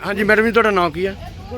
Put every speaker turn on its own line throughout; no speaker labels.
हाँ जी मैडम जी, ਤੁਹਾਡਾ ਨਾਮ ਕੀ ਹੈ?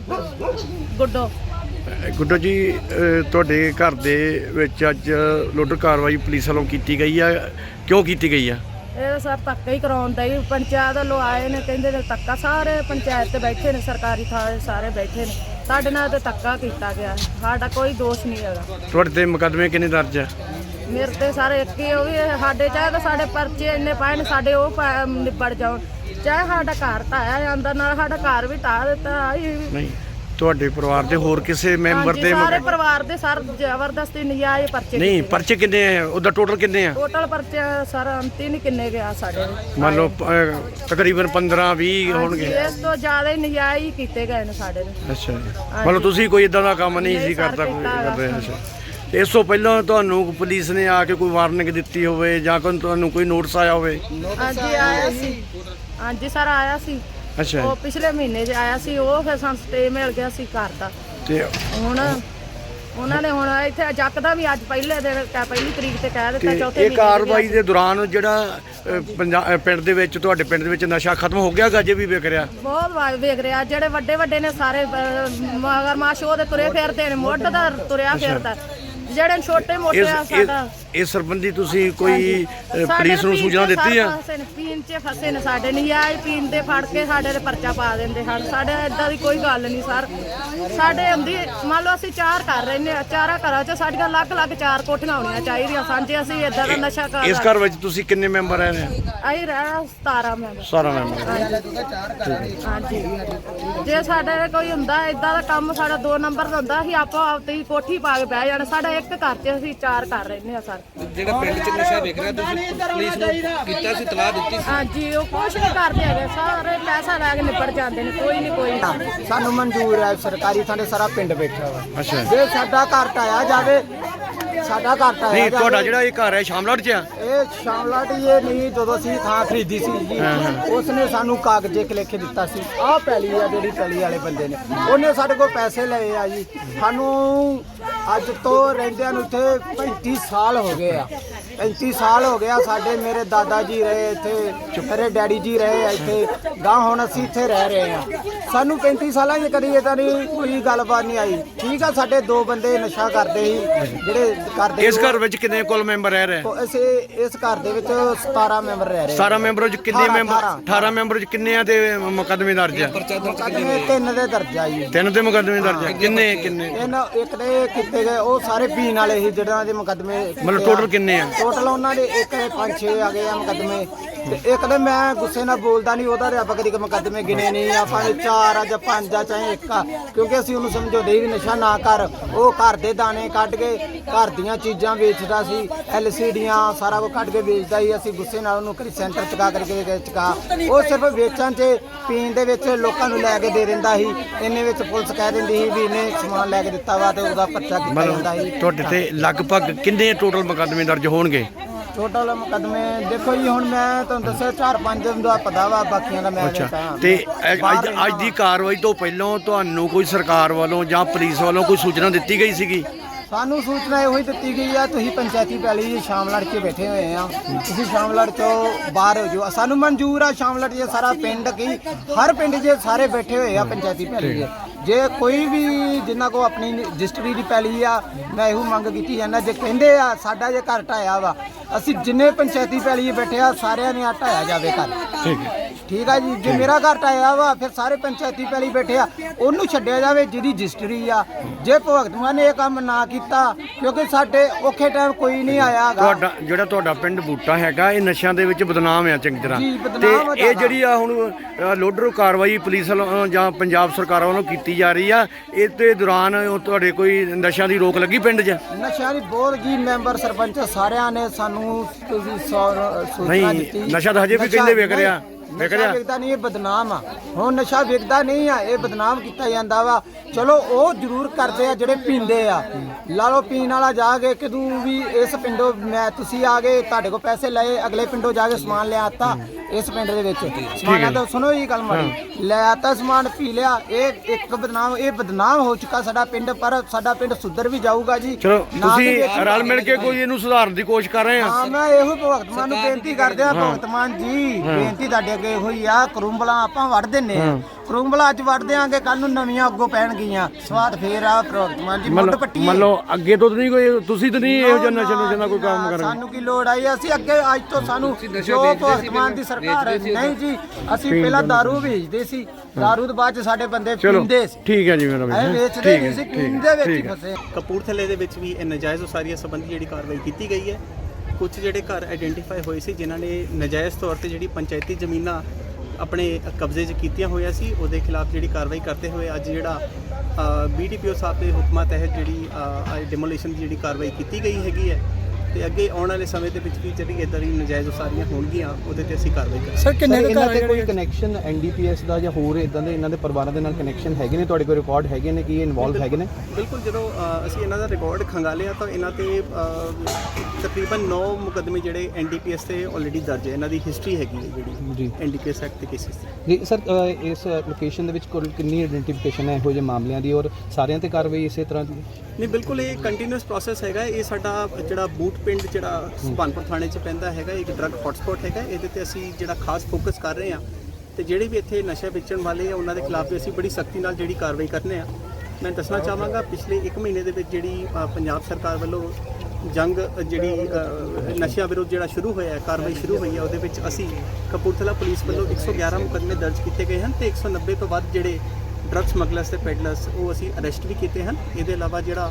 ਗੁੱਡੋ।
ਗੁੱਡੋ ਜੀ, ਤੁਹਾਡੇ ਘਰ ਦੇ ਵਿੱਚ ਅੱਜ ਲੋਡਰ ਕਾਰਵਾਈ ਪੁਲਿਸ ਵੱਲੋਂ ਕੀਤੀ ਗਈ ਆ, ਕਿਉਂ ਕੀਤੀ ਗਈ ਆ?
ਇਹ ਸਰ ਧੱਕਾ ਹੀ ਕਰਾਉਂਦਾ ਹੀ, ਪੰਚਾਇਤ ਵੱਲੋਂ ਆਏ ਨੇ, ਕਹਿੰਦੇ ਨੇ ਧੱਕਾ, ਸਾਰੇ ਪੰਚਾਇਤ ਤੇ ਬੈਠੇ ਨੇ, ਸਰਕਾਰੀ ਥਾਂ ਸਾਰੇ ਬੈਠੇ ਨੇ, ਸਾਡੇ ਨਾਲ ਤੇ ਧੱਕਾ ਕੀਤਾ ਗਿਆ, ਸਾਡਾ ਕੋਈ ਦੋਸ਼ ਨਹੀਂ ਹੈਗਾ।
ਤੁਹਾਡੇ ਤੇ ਮੁਕੱਦਮੇ ਕਿੰਨੇ ਦਰਜ ਆ?
ਮੇਰੇ ਤੇ ਸਾਰੇ ਇੱਕ ਹੀ, ਉਹ ਵੀ ਸਾਡੇ ਚਾਹੇ ਤਾਂ ਸਾਡੇ ਪਰਚੇ ਇੰਨੇ ਪਾਏ ਨੇ, ਸਾਡੇ ਉਹ ਨਿਬੜ ਜਾਣ, ਚਾਹੇ ਸਾਡਾ ਘਰ ਢਾਇਆ ਜਾਂਦਾ, ਨਾਲ ਸਾਡਾ ਘਰ ਵੀ ਢਾਹ ਦਿੱਤਾ।
ਨਹੀਂ, ਤੁਹਾਡੇ ਪਰਿਵਾਰ ਦੇ ਹੋਰ ਕਿਸੇ ਮੈਂਬਰ ਦੇ?
ਸਾਰੇ ਪਰਿਵਾਰ ਦੇ ਸਰ ਜ਼ਬਰਦਸਤੀ ਨਜਾਇਜ਼ ਪਰਚੇ।
ਨਹੀਂ, ਪਰਚੇ ਕਿੰਨੇ ਆ? ਉਹਦਾ ਟੋਟਲ ਕਿੰਨੇ ਆ?
ਟੋਟਲ ਪਰਚੇ ਸਰ ਅੰਤੀ ਨਹੀਂ ਕਿੰਨੇ ਗਿਆ ਸਾਡੇ,
ਮੰਨ ਲਓ ਤਕਰੀਬਨ 15-20 ਹੋਣਗੇ।
ਇਸ ਤੋਂ ਜ਼ਿਆਦਾ ਹੀ ਨਜਾਇਜ਼ ਕੀਤੇ ਗਏ ਨੇ ਸਾਡੇ।
ਅੱਛਾ ਜੀ, ਮੰਨ ਲਓ ਤੁਸੀਂ ਕੋਈ ਇਦਾਂ ਦਾ ਕੰਮ ਨਹੀਂ ਸੀ ਕਰਦਾ ਕਰਦੇ? ਅੱਛਾ, ਤੇ ਇਸ ਤੋਂ ਪਹਿਲਾਂ ਤੁਹਾਨੂੰ ਪੁਲਿਸ ਨੇ ਆ ਕੇ ਕੋਈ ਵਾਰਨਿੰਗ ਦਿੱਤੀ ਹੋਵੇ ਜਾਂ ਤੁਹਾਨੂੰ ਕੋਈ ਨੋਟਿਸ ਆਇਆ ਹੋਵੇ?
ਹਾਂਜੀ ਆਇਆ ਸੀ, ਹਾਂਜੀ ਸਰ ਆਇਆ ਸੀ।
ਅੱਛਾ,
ਉਹ ਪਿਛਲੇ ਮਹੀਨੇ 'ਚ ਆਇਆ ਸੀ, ਉਹ ਫਿਰ ਸਾਨੂੰ ਸਟੇ ਮਿਲ ਗਿਆ ਸੀ ਘਰ ਦਾ।
ਤੇ
ਹੁਣ ਉਹਨਾਂ ਨੇ ਹੁਣ ਇੱਥੇ ਜੱਕਦਾ ਵੀ ਅੱਜ ਪਹਿਲੀ ਤਰੀਕ ਤੇ ਕਹਿ ਦਿੱਤਾ, ਚੌਥੇ
ਇਹ ਕਾਰਵਾਈ ਦੇ ਦੌਰਾਨ ਜਿਹੜਾ ਪਿੰਡ ਦੇ ਵਿੱਚ, ਤੁਹਾਡੇ ਪਿੰਡ ਦੇ ਵਿੱਚ ਨਸ਼ਾ ਖਤਮ ਹੋ ਗਿਆ? ਅਜੇ ਵੀ ਵਿਕ ਰਿਹਾ?
ਬਹੁਤ ਵੇਖ ਰਿਹਾ, ਜਿਹੜੇ ਵੱਡੇ ਵੱਡੇ ਨੇ ਸਾਰੇ ਮਗਰਮਾਸ਼ ਉਹਦੇ ਤੁਰੇ ਫਿਰਦੇ ਨੇ, ਮੁੱਢ ਦਾ ਤੁਰਿਆ ਫਿਰਦਾ, ਜਿਹੜੇ ਛੋਟੇ ਮੋਟੇ ਆ ਸਾਡਾ।
ਇਸ ਸੰਬੰਧੀ ਤੁਸੀਂ ਕੋਈ ਪੁਲਿਸ ਨੂੰ ਸੂਚਨਾ ਦਿੱਤੀ ਆ?
ਪੀਣ 'ਚ ਫਸੇ ਨੇ ਸਾਡੇ, ਨਜਾਇਜ਼ ਪੀਣ ਦੇ ਫੜ ਕੇ ਸਾਡੇ ਤੇ ਪਰਚਾ ਪਾ ਦਿੰਦੇ ਹਨ। ਸਾਡੇ ਏਦਾਂ ਦੀ ਕੋਈ ਗੱਲ ਨਹੀਂ ਸਰ, ਸਾਡੇ ਹੁੰਦੀ, ਮੰਨ ਲਓ ਅਸੀਂ 4 ਘਰ ਰਹਿੰਦੇ ਆ, 4 ਘਰਾਂ 'ਚ ਸਾਡੀਆਂ ਅਲੱਗ-ਅਲੱਗ 4 ਕੋਠੀਆਂ ਹੋਣੀਆਂ ਚਾਹੀਦੀਆਂ ਸਾਂਝੇ, ਅਸੀਂ ਏਦਾਂ ਦਾ ਨਸ਼ਾ ਕਰ।
ਇਸ ਘਰ ਵਿੱਚ ਤੁਸੀਂ ਕਿੰਨੇ ਮੈਂਬਰ ਰਹਿ ਰਹੇ?
ਅਸੀਂ ਰਹਿਣਾ 17 ਮੈਂਬਰ।
17 ਮੈਂਬਰ।
ਹਾਂਜੀ, ਜੇ ਸਾਡੇ ਕੋਈ ਹੁੰਦਾ ਏਦਾਂ ਦਾ ਕੰਮ, ਸਾਡਾ 2 ਨੰਬਰ ਦਾ ਹੁੰਦਾ, ਅਸੀਂ ਆਪੋ ਆਪ ਤੇ ਕੋਠੀ ਪਾ ਕੇ ਬਹਿ ਜਾਣਾ। ਸਾਡਾ ਇੱਕ ਘਰ 'ਚ ਅਸੀਂ 4 ਘਰ ਰਹਿੰਦੇ ਆ ਸਰ।
ਜਿਹੜਾ ਪਿੰਡ 'ਚ ਨਸ਼ਾ ਵਿਕ ਰਿਹਾ, ਤੁਸੀਂ ਪੁਲਿਸ ਨੂੰ ਕੀਤਾ ਸੀ, ਤਲਾਹ ਦਿੱਤੀ ਸੀ?
ਹਾਂਜੀ, ਉਹ ਕੁਛ ਨਹੀਂ ਕਰਦੇ ਹੈਗੇ, ਸਾਰੇ ਪੈਸਾ ਲੈ ਕੇ ਨਿਪਟ ਜਾਂਦੇ ਨੇ, ਕੋਈ ਨਹੀਂ ਕੋਈ।
ਸਾਨੂੰ ਮਨਜ਼ੂਰ ਹੈ ਸਰਕਾਰੀ ਥਾਂ ਤੇ ਸਾਰਾ ਪਿੰਡ ਬੈਠਾ ਵਾ।
ਅੱਛਾ,
ਜੇ ਸਾਡਾ ਘਰ ਢਾਇਆ ਜਾਵੇ, ਸਾਡਾ ਘਰ ਢਾਇਆ
ਨਹੀਂ,
ਜਾਵੇ।
ਤੁਹਾਡਾ ਜਿਹੜਾ ਇਹ ਘਰ ਹੈ ਸ਼ਾਮਲਾਟ 'ਚ ਆ?
ਇਹ ਸ਼ਾਮਲਾਟ ਇਹ ਨਹੀਂ, ਜਦੋਂ ਅਸੀਂ ਥਾਂ ਖਰੀਦੀ ਸੀ ਜੀ, ਉਸਨੇ ਸਾਨੂੰ ਕਾਗਜ਼ੇ ਲਿਖ ਦਿੱਤਾ ਸੀ, ਆਹ ਪੈਲੀ ਆ ਜਿਹੜੀ ਪੈਲੀ ਵਾਲੇ ਬੰਦੇ ਨੇ, ਉਹਨੇ ਸਾਡੇ ਕੋਲ ਪੈਸੇ ਲਏ ਆ ਜੀ। ਸਾਨੂੰ ਅੱਜ ਤੋਂ ਰਹਿੰਦਿਆਂ ਨੂੰ ਇੱਥੇ 35 ਸਾਲ ਹੋ ਗਏ ਆ, 35 ਸਾਲ ਹੋ ਗਿਆ। ਸਾਡੇ ਮੇਰੇ ਦਾਦਾ ਜੀ ਰਹੇ ਇੱਥੇ, ਮੇਰੇ ਡੈਡੀ ਜੀ ਰਹੇ ਆ ਇੱਥੇ, ਗਾਂ ਹੁਣ ਅਸੀਂ ਇੱਥੇ ਰਹਿ ਰਹੇ ਆ। ਸਾਨੂੰ 35 ਸਾਲਾਂ 'ਚ ਕਦੀ ਇਦਾਂ ਦੀ ਕੋਈ ਗੱਲਬਾਤ ਨਹੀਂ ਆਈ। ਠੀਕ ਆ, ਸਾਡੇ 2 ਬੰਦੇ ਨਸ਼ਾ ਕਰਦੇ ਸੀ, ਜਿਹੜੇ ਕਰਦੇ।
ਇਸ ਘਰ ਵਿੱਚ ਕਿੰਨੇ ਕੁੱਲ ਮੈਂਬਰ ਰਹਿ ਰਹੇ?
ਇਸ ਘਰ ਦੇ ਵਿੱਚ 17 ਮੈਂਬਰ ਰਹਿ ਰਹੇ।
17 ਮੈਂਬਰਾਂ 'ਚ ਕਿੰਨੇ ਮੈਂਬਰ? 18 ਮੈਂਬਰਾਂ 'ਚ ਕਿੰਨੇ ਆ ਤੇ ਮੁਕੱਦਮੇ ਦਰਜ ਆ?
ਮੁਕੱਦਮੇ 3 ਦੇ ਦਰਜਾ ਜੀ।
3 ਤੇ ਮੁਕੱਦਮੇ ਦਰਜ ਆ? ਕਿੰਨੇ
ਇੱਕ ਦੇ ਕੀਤੇ ਗਏ, ਉਹ ਸਾਰੇ ਪੀਣ ਵਾਲੇ ਸੀ ਜਿਹੜਾ ਦੇ ਮੁਕੱਦਮੇ।
ਮਤਲਬ ਟੋਟਲ ਕਿੰਨੇ ਆ?
ਟੋਟਲ ਉਹਨਾਂ ਦੇ ਇੱਕ ਦੇ 5-6 ਆ ਗਏ ਆ ਮੁਕੱਦਮੇ, ਤੇ ਇੱਕ ਦੇ ਮੈਂ ਗੁੱਸੇ ਨਾਲ ਬੋਲਦਾ ਨਹੀਂ, ਉਹਦਾ ਤੇ ਆਪਾਂ ਕਦੀ ਮੁਕੱਦਮੇ ਗਿਣੇ ਨਹੀਂ, ਆਪਾਂ 4 ਆ ਜਾਂ 5 ਆ ਚਾਹੇ 1 ਆ, ਕਿਉਂਕਿ ਅਸੀਂ ਉਹਨੂੰ ਸਮਝਾਉਂਦੇ ਵੀ ਨਸ਼ਾ ਨਾ ਕਰ। ਉਹ ਘਰ ਦੇ ਦਾਣੇ ਕੱਢ ਕੇ ਘਰ ਦੀਆਂ ਚੀਜ਼ਾਂ ਵੇਚਦਾ ਸੀ, LCDਆਂ ਸਾਰਾ ਕੁਝ ਕੱਢ ਕੇ ਵੇਚਦਾ ਸੀ। ਅਸੀਂ ਗੁੱਸੇ ਨਾਲ ਉਹਨੂੰ ਕਦੀ ਸੈਂਟਰ ਚੁਕਾ ਕਰਕੇ ਚੁਕਾ, ਉਹ ਸਿਰਫ ਵੇਚਣ 'ਚ, ਪੀਣ ਦੇ ਵਿੱਚ ਲੋਕਾਂ ਨੂੰ ਲੈ ਕੇ ਦੇ ਦਿੰਦਾ ਸੀ। ਇੰਨੇ ਵਿੱਚ ਪੁਲਿਸ ਕਹਿ ਦਿੰਦੀ ਸੀ ਵੀ ਇਹਨੇ ਸਮਾਨ ਲੈ ਕੇ ਦਿੱਤਾ ਵਾ, ਤੇ ਉਹਦਾ ਪਰਚਾ ਕੀਤਾ ਜਾਂਦਾ ਸੀ।
ਤੁਹਾਡੇ ਤੇ ਲਗਭਗ ਕਿੰਨੇ ਟੋਟਲ ਮੁਕੱਦਮੇ ਦਰਜ ਹੋਣਗੇ?
ਟੋਟਲ ਮੁਕੱਦਮੇ ਦੇਖੋ ਜੀ, ਹੁਣ ਮੈਂ ਤੁਹਾਨੂੰ ਦੱਸਿਆ 4-5 ਦਾ ਪਤਾ ਵਾ, ਬਾਕੀਆਂ ਦਾ ਮੈਂ
ਅੱਛਾ, ਤੇ ਅੱਜ ਦੀ ਕਾਰਵਾਈ ਤੋਂ ਪਹਿਲਾਂ ਤੁਹਾਨੂੰ ਕੋਈ ਸਰਕਾਰ ਵੱਲੋਂ ਜਾਂ ਪੁਲਿਸ ਵੱਲੋਂ ਕੋਈ ਸੂਚਨਾ ਦਿੱਤੀ ਗਈ ਸੀਗੀ?
ਸਾਨੂੰ ਸੂਚਨਾ ਇਹੋ ਹੀ ਦਿੱਤੀ ਗਈ ਆ, ਤੁਸੀਂ ਪੰਚਾਇਤੀ ਪੈਲੀ ਸ਼ਾਮਲੜ 'ਚ ਬੈਠੇ ਹੋਏ ਆ, ਤੁਸੀਂ ਸ਼ਾਮਲੜ 'ਚੋਂ ਬਾਹਰ ਹੋ ਜਾਓ। ਸਾਨੂੰ ਮਨਜ਼ੂਰ ਆ, ਸ਼ਾਮਲੜ 'ਚ ਸਾਰਾ ਪਿੰਡ ਕੀ ਹਰ ਪਿੰਡ 'ਚ ਸਾਰੇ ਬੈਠੇ ਹੋਏ ਆ ਪੰਚਾਇਤੀ ਪੈਲੀ 'ਚ। ਜੇ ਕੋਈ ਵੀ ਜਿੰਨਾ ਕੋ ਆਪਣੀ ਰਜਿਸਟਰੀ ਦੀ ਪੈਲੀ ਆ, ਮੈਂ ਇਹੋ ਮੰਗ ਕੀਤੀ ਜਾਂਦਾ, ਜੇ ਕਹਿੰਦੇ ਆ ਸਾਡਾ ਜੇ ਘਰ ਢਾਇਆ ਵਾ, ਅਸੀਂ ਜਿੰਨੇ ਪੰਚਾਇਤੀ ਪੈਲੀ 'ਚ ਬੈਠੇ ਆ ਸਾਰਿਆਂ ਨੇ ਢਾਇਆ ਜਾਵੇ ਘਰ। ਠੀਕ ਆ ਜੀ, ਜੇ ਮੇਰਾ ਘਰ ਢਾਇਆ ਵਾ, ਫਿਰ ਸਾਰੇ ਪੰਚਾਇਤੀ ਪੈਲੀ ਬੈਠੇ ਆ, ਉਹਨੂੰ ਛੱਡਿਆ ਜਾਵੇ ਜਿਹਦੀ ਰਜਿਸਟਰੀ ਆ। ਜੇ ਭਗਤ ਮਾਨ ਨੇ ਇਹ ਕੰਮ ਨਾ ਕੀਤਾ, ਕਿਉਂਕਿ ਸਾਡੇ ਔਖੇ ਟਾਈਮ ਕੋਈ ਨਹੀਂ ਆਇਆ।
ਤੁਹਾਡਾ ਪਿੰਡ ਬੂਟਾ ਹੈਗਾ, ਇਹ ਨਸ਼ਿਆਂ ਦੇ ਵਿੱਚ ਬਦਨਾਮ ਆ ਚੰਗੀ ਤਰ੍ਹਾਂ, ਤੇ ਇਹ ਜਿਹੜੀ ਆ ਹੁਣ ਲੋਡਰ ਕਾਰਵਾਈ ਪੁਲਿਸ ਵੱਲੋਂ ਜਾਂ ਪੰਜਾਬ ਸਰਕਾਰ ਵੱਲੋਂ ਕੀਤੀ ਜਾ ਰਹੀ ਆ, ਇਹ ਤੇ ਦੌਰਾਨ ਤੁਹਾਡੇ ਕੋਈ ਨਸ਼ਿਆਂ ਦੀ ਰੋਕ ਲੱਗੀ ਪਿੰਡ 'ਚ?
ਨਸ਼ਿਆਂ ਦੀ ਬਹੁਤ ਜੀ, ਮੈਂਬਰ ਸਰਪੰਚ ਸਾਰਿਆਂ ਨੇ ਸਾਨੂੰ ਤੁਸੀਂ ਸੂਚਨਾ ਦਿੱਤੀ।
ਨਸ਼ਾ ਤਾਂ ਹਜੇ ਵੀ ਕਹਿੰਦੇ ਵਿਕ ਰਿਹਾ।
ਨਸ਼ਾ ਵਿਕਦਾ ਨਹੀਂ, ਇਹ ਬਦਨਾਮ ਆ। ਹੁਣ ਨਸ਼ਾ ਵਿਕਦਾ ਨਹੀਂ ਆ, ਇਹ ਬਦਨਾਮ ਕੀਤਾ ਜਾਂਦਾ ਵਾ। ਚਲੋ ਉਹ ਜ਼ਰੂਰ ਕਰਦੇ ਆ ਜਿਹੜੇ ਪੀਂਦੇ ਆ, ਲਾ ਲਓ ਪੀਣ ਵਾਲਾ ਜਾ ਕੇ ਕਿਦੋਂ ਵੀ ਇਸ ਪਿੰਡੋਂ ਤੁਸੀਂ ਆ ਗਏ, ਤੁਹਾਡੇ ਕੋਲ ਪੈਸੇ ਲਏ, ਅਗਲੇ ਪਿੰਡੋਂ ਜਾ ਕੇ ਸਮਾਨ ਲਿਆ ਆਤਾ ਇਸ ਪਿੰਡ ਦੇ ਵਿੱਚ ਸਮਾਨਾਂ ਦਾ। ਸੁਣੋ ਜੀ ਗੱਲ ਮਾੜੀ, ਲੈ ਆਤਾ ਸਮਾਨ, ਪੀ ਲਿਆ, ਇਹ ਇੱਕ ਬਦਨਾਮ, ਇਹ ਬਦਨਾਮ ਹੋ ਚੁੱਕਾ ਸਾਡਾ ਪਿੰਡ। ਪਰ ਸਾਡਾ ਪਿੰਡ ਸੁਧਰ ਵੀ ਜਾਊਗਾ ਜੀ।
ਚਲੋ ਤੁਸੀਂ ਰਲ ਮਿਲ ਕੇ ਕੋਈ ਇਹਨੂੰ ਸੁਧਾਰਨ ਦੀ ਕੋਸ਼ਿਸ਼ ਕਰ ਰਹੇ ਆ?
ਹਾਂ, ਮੈਂ ਇਹੋ ਭਗਤ ਮਾਨ ਨੂੰ ਬੇਨਤੀ ਕਰਦੇ ਆ, ਭਗਤ ਮਾਨ ਜੀ ਬੇਨਤੀ ਤੁਹਾਡੇ ਅੱਗੇ ਹੋਈ ਆ ਕਰੂੰਬਲਾਂ ਆਪਾਂ ਵੱਢ ਦਿੰਨੇ ਆ ਕਰੂੰਬਲਾਂ ਅੱਜ ਵੱਢ ਦਿਆਂਗੇ ਕੱਲ ਨੂੰ ਨਵੀਆਂ ਅੱਗੋਂ ਪੈਣਗੀਆਂ ਸਵਾਦ ਫੇਰ ਆ ਭਗਵੰਤ ਮਾਨ ਜੀ ਮੁੱਢ ਪੱਟੀ
ਮੰਨ ਲਓ ਅੱਗੇ ਤੋਂ ਨਹੀਂ ਕੋਈ ਤੁਸੀਂ ਤਾਂ ਨਹੀਂ ਇਹੋ ਜਿਹਾ ਨਸ਼ੇ ਦਾ ਕੋਈ ਕੰਮ ਕਰਨਾ।
ਸਾਨੂੰ ਕੀ ਲੋੜ ਆਈ ਅਸੀਂ ਅੱਗੇ ਅੱਜ ਤੋਂ ਸਾਨੂੰ ਜੋ ਭਗਵੰਤ ਮਾਨ ਦੀ ਸਰਕਾਰ ਹੈ ਨਹੀਂ ਜੀ ਅਸੀਂ ਪਹਿਲਾਂ ਦਾਰੂ ਵੇਚਦੇ ਸੀ ਦਾਰੂ ਤੋਂ ਬਾਅਦ ਚ ਸਾਡੇ ਬੰਦੇ ਪੀਂਦੇ ਸੀ
ਠੀਕ ਹੈ ਜੀ ਮੇਰਾ
ਐ
ਵੀਰ
ਵੇਚਦੇ ਨਹੀਂ ਸੀ ਪੀਂਦੇ ਵਿੱਚ ਹੀ ਫਸੇ।
ਕਪੂਰਥਲੇ ਦੇ ਵਿੱਚ ਵੀ ਇਹ ਨਜਾਇਜ਼ ਉਸਾਰੀਆਂ ਸੰਬੰਧੀ ਜਿਹੜੀ ਕਾਰਵਾਈ ਕੀਤੀ ਗਈ ਹੈ। ਕੁਝ ਜਿਹੜੇ ਘਰ ਆਇਡੈਂਟੀਫਾਈ ਹੋਏ ਸੀ ਜਿਨ੍ਹਾਂ ਨੇ ਨਜਾਇਜ਼ ਤੌਰ ਤੇ ਜਿਹੜੀ ਪੰਚਾਇਤੀ ਜ਼ਮੀਨਾਂ ਆਪਣੇ ਕਬਜ਼ੇ 'ਚ ਕੀਤੀਆਂ ਹੋਈਆਂ ਸੀ ਉਹਦੇ ਖਿਲਾਫ ਜਿਹੜੀ ਕਾਰਵਾਈ ਕਰਦੇ ਹੋਏ ਅੱਜ ਜਿਹੜਾ BDPO ਸਾਹਿਬ ਦੇ ਹੁਕਮਾਂ ਤਹਿਤ ਜਿਹੜੀ ਡਿਮੋਲੀਸ਼ਨ ਦੀ ਜਿਹੜੀ ਕਾਰਵਾਈ ਕੀਤੀ ਗਈ ਹੈਗੀ ਹੈ ਤੇ ਅੱਗੇ ਆਉਣ ਵਾਲੇ ਸਮੇਂ ਦੇ ਵਿੱਚ ਵੀ ਜਿਹੜੀ ਇੱਦਾਂ ਦੀ ਨਜਾਇਜ਼ ਉਸਾਰੀਆਂ ਹੋਣਗੀਆਂ ਉਹਦੇ ਤੇ ਅਸੀਂ ਕਾਰਵਾਈ ਕਰਾਂਗੇ।
ਸਰ ਕਿੰਨੇ ਇਹਨਾਂ ਦੇ ਕੋਈ ਕਨੈਕਸ਼ਨ NDPS ਦਾ ਜਾਂ ਹੋਰ ਇਦਾਂ ਦੇ ਇਹਨਾਂ ਦੇ ਪਰਿਵਾਰਾਂ ਦੇ ਨਾਲ ਕਨੈਕਸ਼ਨ ਹੈਗੇ ਨੇ ਤੁਹਾਡੇ ਕੋਲ ਰਿਕਾਰਡ ਹੈਗੇ ਨੇ ਕਿ ਇਹ ਇਨਵੋਲਵ ਹੈਗੇ ਨੇ?
ਬਿਲਕੁਲ ਜਦੋਂ ਅਸੀਂ ਇਹਨਾਂ ਦਾ ਰਿਕਾਰਡ ਖੰਗਾਲਿਆ ਤਾਂ ਇਹਨਾਂ ਤੇ ਤਕਰੀਬਨ 9 ਮੁਕੱਦਮੇ ਜਿਹੜੇ NDPS ਤੇ ਆਲਰੇਡੀ ਦਰਜ ਹੈ। ਇਹਨਾਂ ਦੀ ਹਿਸਟਰੀ ਹੈਗੀ ਹੈ ਜਿਹੜੀ
ਜੀ
NDPS ਐਕਟ ਦੇ ਕੇਸਿਸ ਦੀ।
ਜੀ ਸਰ ਇਸ ਲੋਕੇਸ਼ਨ ਦੇ ਵਿੱਚ ਕੁੱਲ ਕਿੰਨੀ ਆਇਡੈਂਟੀਫਿਕੇਸ਼ਨ ਹੈ ਇਹੋ ਜਿਹੇ ਮਾਮਲਿਆਂ ਦੀ ਔਰ ਸਾਰਿਆਂ ਤੇ ਕਾਰਵਾਈ ਇਸੇ ਤਰ੍ਹਾਂ ਦੀ?
ਨਹੀਂ ਬਿਲਕੁਲ ਇਹ ਕੰਟੀਨਿਊਸ ਪ੍ਰੋਸੈਸ ਹੈਗਾ। ਇਹ ਸਾਡਾ ਜਿਹੜਾ ਬੂਟ ਪਿੰਡ ਜਿਹੜਾ ਸੁਭਾਨਪੁਰ ਥਾਣੇ 'ਚ ਪੈਂਦਾ ਹੈਗਾ ਇੱਕ ਡਰੱਗ ਹੌਟਸਪੌਟ ਹੈਗਾ। ਇਹਦੇ ਤੇ ਅਸੀਂ ਜਿਹੜਾ ਖਾਸ ਫੋਕਸ ਕਰ ਰਹੇ ਹਾਂ ਤੇ ਜਿਹੜੇ ਵੀ ਇੱਥੇ ਨਸ਼ਾ ਵੇਚਣ ਵਾਲੇ ਆ ਉਹਨਾਂ ਦੇ ਖਿਲਾਫ ਵੀ ਅਸੀਂ ਬੜੀ ਸਖਤੀ ਨਾਲ ਜਿਹੜੀ ਕਾਰਵਾਈ ਕਰਨੇ ਆ। ਮੈਂ ਦੱਸਣਾ ਚਾਹਾਂਗਾ ਪਿਛਲੇ 1 ਮਹੀਨੇ ਦੇ ਵਿੱਚ ਜਿਹੜੀ ਪੰਜਾਬ ਸਰਕਾਰ ਵੱਲੋਂ ਜੰਗ ਜਿਹੜੀ ਨਸ਼ਿਆਂ ਵਿਰੁੱਧ ਜਿਹੜਾ ਸ਼ੁਰੂ ਹੋਇਆ ਹੈ ਕਾਰਵਾਈ ਸ਼ੁਰੂ ਹੋਈ ਹੈ ਉਹਦੇ ਵਿੱਚ ਅਸੀਂ ਕਪੂਰਥਲਾ ਪੁਲਿਸ ਵੱਲੋਂ 111 ਮੁਕੱਦਮੇ ਦਰਜ ਕੀਤੇ ਗਏ ਹਨ ਤੇ 190 ਤੋਂ ਵੱਧ ਜਿਹੜੇ ਡਰੱਗ ਸਮਗਲਰਸ ਤੇ ਪੈਡਲਰਸ ਉਹ ਅਸੀਂ ਅਰੈਸਟ ਵੀ ਕੀਤੇ ਹਨ। ਇਹਦੇ ਇਲਾਵਾ ਜਿਹੜਾ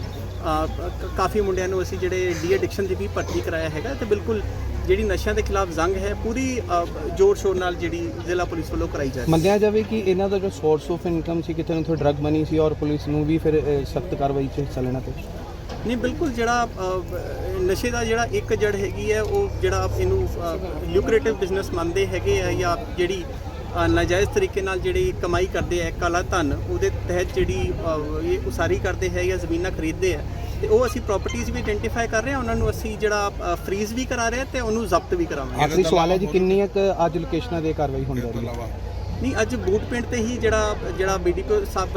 ਕਾਫੀ ਮੁੰਡਿਆਂ ਨੂੰ ਅਸੀਂ ਜਿਹੜੇ ਡੀ ਐਡਿਕਸ਼ਨ ਦੀ ਵੀ ਭਰਤੀ ਕਰਾਇਆ ਹੈਗਾ ਤੇ ਬਿਲਕੁਲ ਜਿਹੜੀ ਨਸ਼ਿਆਂ ਦੇ ਖਿਲਾਫ ਜੰਗ ਹੈ ਪੂਰੀ ਜ਼ੋਰ ਸ਼ੋਰ ਨਾਲ ਜਿਹੜੀ ਜ਼ਿਲ੍ਹਾ ਪੁਲਿਸ ਵੱਲੋਂ ਕਰਾਈ ਜਾ ਰਹੀ ਹੈ।
ਮੰਨਿਆ ਜਾਵੇ ਕਿ ਇਹਨਾਂ ਦਾ ਜੋ ਸੋਰਸ ਆਫ ਇਨਕਮ ਸੀ ਕਿਤੇ ਨਾ ਕਿਤੇ ਡਰੱਗ ਮਨੀ ਸੀ ਔਰ ਪੁਲਿਸ ਨੂੰ ਵੀ ਫਿਰ ਸਖਤ ਕਾਰਵਾਈ 'ਚ ਹਿੱਸਾ ਲੈਣਾ ਪਿਆ?
ਨਹੀਂ ਬਿਲਕੁਲ ਜਿਹੜਾ ਨਸ਼ੇ ਦਾ ਜਿਹੜਾ ਇੱਕ ਜੜ ਹੈਗੀ ਹੈ ਉਹ ਜਿਹੜਾ ਇਹਨੂੰ ਲਿਊਕਰੇਟਿਵ ਬਿਜ਼ਨਸ ਮੰਨਦੇ ਹੈਗੇ ਆ ਜਾਂ ਜਿਹੜੀ ਨਾਜਾਇਜ਼ ਤਰੀਕੇ ਨਾਲ ਜਿਹੜੀ ਕਮਾਈ ਕਰਦੇ ਆ ਕਾਲਾ ਧਨ ਉਹਦੇ ਤਹਿਤ ਜਿਹੜੀ ਇਹ ਉਸਾਰੀ ਕਰਦੇ ਹੈ ਜਾਂ ਜ਼ਮੀਨਾਂ ਖਰੀਦਦੇ ਆ ਤੇ ਉਹ ਅਸੀਂ ਪ੍ਰਾਪਰਟੀਆਂ ਵੀ ਆਇਡੈਂਟੀਫਾਈ ਕਰ ਰਹੇ ਹਾਂ। ਉਹਨਾਂ ਨੂੰ ਅਸੀਂ ਜਿਹੜਾ ਫਰੀਜ਼ ਵੀ ਕਰਾ ਰਹੇ ਹਾਂ ਤੇ ਉਹਨੂੰ ਜ਼ਬਤ ਵੀ ਕਰਾਵਾਂਗੇ।
ਆਖਰੀ ਸਵਾਲ ਹੈ ਜੀ ਕਿੰਨੀਆਂ ਕੁ ਅੱਜ ਲੋਕੇਸ਼ਨਾਂ ਦੇ ਕਾਰਵਾਈ ਹੋਣ ਜਾ ਰਹੀ ਹੈ?
ਨਹੀਂ ਅੱਜ ਬੂਟ ਪਿੰਡ ਤੇ ਹੀ ਜਿਹੜਾ BDPO ਸਾਹਿਬ